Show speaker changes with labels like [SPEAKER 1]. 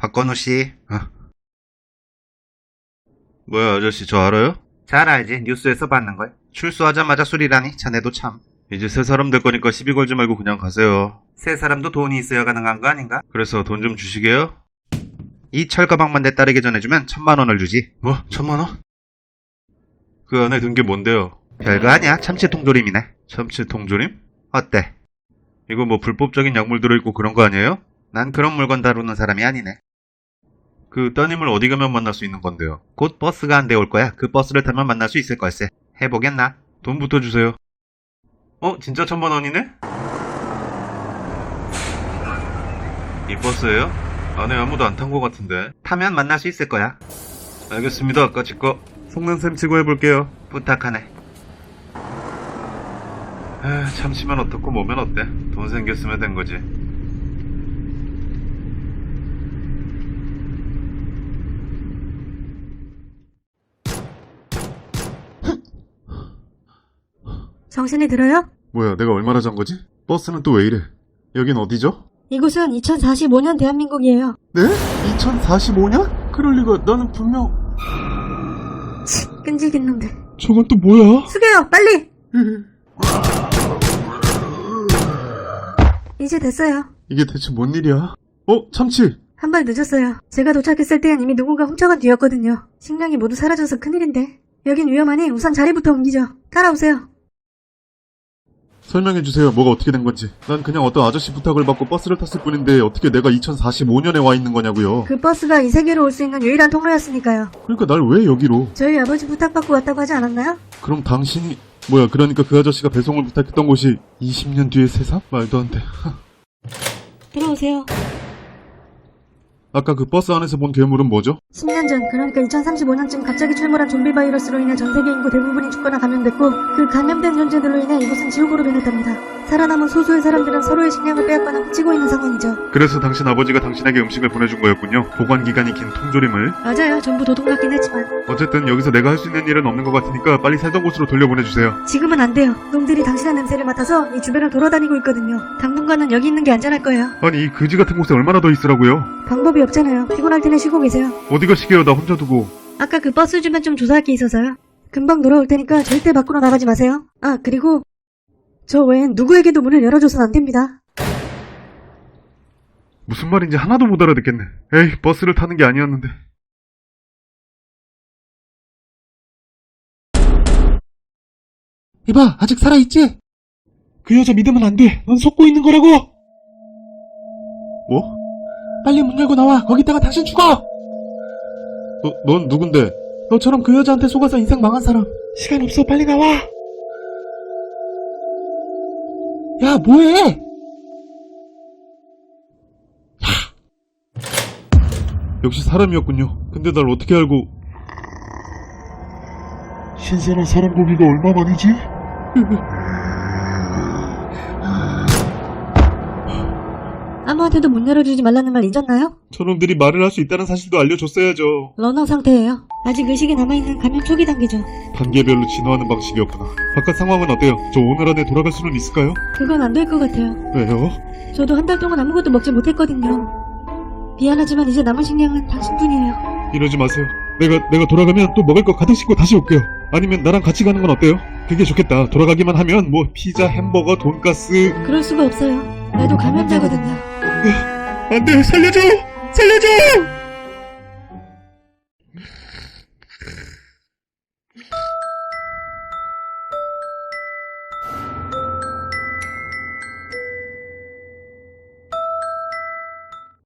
[SPEAKER 1] 박건우 씨. 뭐야, 아저씨, 저 알아요? 잘 알지. 뉴스에서 봤는걸. 출소하자마자 술이라니. 자네도 참. 이제 새 사람 될 거니까 시비 걸지 말고 그냥 가세요. 새 사람도 돈이 있어야 가능한 거 아닌가? 그래서 돈 좀 주시게요? 이 철가방만 내 딸에게 전해주면 1,000,000원을 주지. 뭐? 1,000,000원? 그 안에 든 게 뭔데요? 별거 아니야. 참치 통조림이네. 참치 통조림? 어때? 이거 뭐 불법적인 약물 들어있고 그런 거 아니에요? 난 그런 물건 다루는 사람이 아니네. 그 따님을 어디 가면 만날 수 있는 건데요? 곧 버스가 한 대 올 거야. 그 버스를 타면 만날 수 있을 걸세. 해보겠나? 돈부터 주세요. 진짜 1,000,000원이네? 이 버스예요? 안에 아무도 안 탄 것 같은데. 타면 만날 수 있을 거야. 알겠습니다. 아까 지거 속는셈 치고 해볼게요. 부탁하네. 참치면 어떻고 뭐면 어때? 돈 생겼으면 된 거지.
[SPEAKER 2] 정신이 들어요?
[SPEAKER 3] 뭐야, 내가 얼마나 잔 거지? 버스는 또 왜 이래? 여긴 어디죠?
[SPEAKER 2] 이곳은 2045년 대한민국이에요.
[SPEAKER 3] 네? 2045년? 그럴 리가. 나는 분명...
[SPEAKER 2] 끈질긴 놈들.
[SPEAKER 3] 저건 또 뭐야?
[SPEAKER 2] 숙여요, 빨리! 이제 됐어요.
[SPEAKER 3] 이게 대체 뭔 일이야? 참치!
[SPEAKER 2] 한 발 늦었어요. 제가 도착했을 땐 이미 누군가 훔쳐간 뒤였거든요. 식량이 모두 사라져서 큰일인데. 여긴 위험하니 우선 자리부터 옮기죠. 따라오세요.
[SPEAKER 3] 설명해주세요. 뭐가 어떻게 된 건지. 난 그냥 어떤 아저씨 부탁을 받고 버스를 탔을 뿐인데 어떻게 내가 2045년에 와 있는 거냐고요.
[SPEAKER 2] 그 버스가 이 세계로 올 수 있는 유일한 통로였으니까요.
[SPEAKER 3] 그러니까 날 왜 여기로?
[SPEAKER 2] 저희 아버지 부탁받고 왔다고 하지 않았나요?
[SPEAKER 3] 그럼 당신이... 뭐야, 그러니까 그 아저씨가 배송을 부탁했던 곳이 20년 뒤의 세상? 말도 안 돼.
[SPEAKER 2] 들어오세요.
[SPEAKER 3] 아까 그 버스 안에서 본 괴물은 뭐죠?
[SPEAKER 2] 10년 전, 그러니까 2035년쯤 갑자기 출몰한 좀비 바이러스로 인해 전 세계 인구 대부분이 죽거나 감염됐고, 그 감염된 존재들로 인해 이곳은 지옥으로 변했답니다. 살아남은 소수의 사람들은 서로의 식량을 빼앗거나 훔치고 있는 상황이죠.
[SPEAKER 3] 그래서 당신 아버지가 당신에게 음식을 보내준 거였군요. 보관기간이 긴 통조림을.
[SPEAKER 2] 맞아요. 전부 도둑 같긴 했지만.
[SPEAKER 3] 어쨌든 여기서 내가 할 수 있는 일은 없는 것 같으니까 빨리 살던 곳으로 돌려보내주세요.
[SPEAKER 2] 지금은 안 돼요. 놈들이 당신의 냄새를 맡아서 이 주변을 돌아다니고 있거든요. 당분간은 여기 있는 게 안전할 거예요.
[SPEAKER 3] 아니, 이 거지 같은 곳에 얼마나 더 있으라고요?
[SPEAKER 2] 방법이 없잖아요. 피곤할 테니 쉬고 계세요.
[SPEAKER 3] 어디 가시게요? 나 혼자 두고.
[SPEAKER 2] 아까 그 버스 주변 좀 조사할 게 있어서요. 금방 돌아올 테니까 절대 밖으로 나가지 마세요. 그리고 저 외엔 누구에게도 문을 열어줘선 안 됩니다.
[SPEAKER 3] 무슨 말인지 하나도 못 알아듣겠네. 에이, 버스를 타는 게 아니었는데.
[SPEAKER 4] 이봐, 아직 살아있지? 그 여자 믿으면 안 돼. 넌 속고 있는 거라고!
[SPEAKER 3] 뭐?
[SPEAKER 4] 빨리 문 열고 나와. 거기다가 당신 죽어!
[SPEAKER 3] 넌 누군데?
[SPEAKER 4] 너처럼 그 여자한테 속아서 인생 망한 사람. 시간 없어. 빨리 나와! 야, 뭐해?
[SPEAKER 3] 역시 사람이었군요. 근데 날 어떻게 알고...
[SPEAKER 5] 신선한 사람 고기가 얼마만이지?
[SPEAKER 2] 아무한테도 문 열어주지 말라는 말 잊었나요?
[SPEAKER 3] 저놈들이 말을 할 수 있다는 사실도 알려줬어야죠.
[SPEAKER 2] 러너 상태예요. 아직 의식이 남아있는 감염 초기 단계죠.
[SPEAKER 3] 단계별로 진화하는 방식이었구나. 바깥 상황은 어때요? 저 오늘 안에 돌아갈 수는 있을까요?
[SPEAKER 2] 그건 안 될 것 같아요.
[SPEAKER 3] 왜요?
[SPEAKER 2] 저도 한 달 동안 아무것도 먹지 못했거든요. 미안하지만 이제 남은 식량은 당신뿐이에요.
[SPEAKER 3] 이러지 마세요. 내가 돌아가면 또 먹을 거 가득 싣고 다시 올게요. 아니면 나랑 같이 가는 건 어때요? 그게 좋겠다. 돌아가기만 하면 뭐 피자, 햄버거, 돈가스...
[SPEAKER 2] 그럴 수가 없어요. 나도 감염자거든요.
[SPEAKER 3] 안 돼! 살려줘! 살려줘!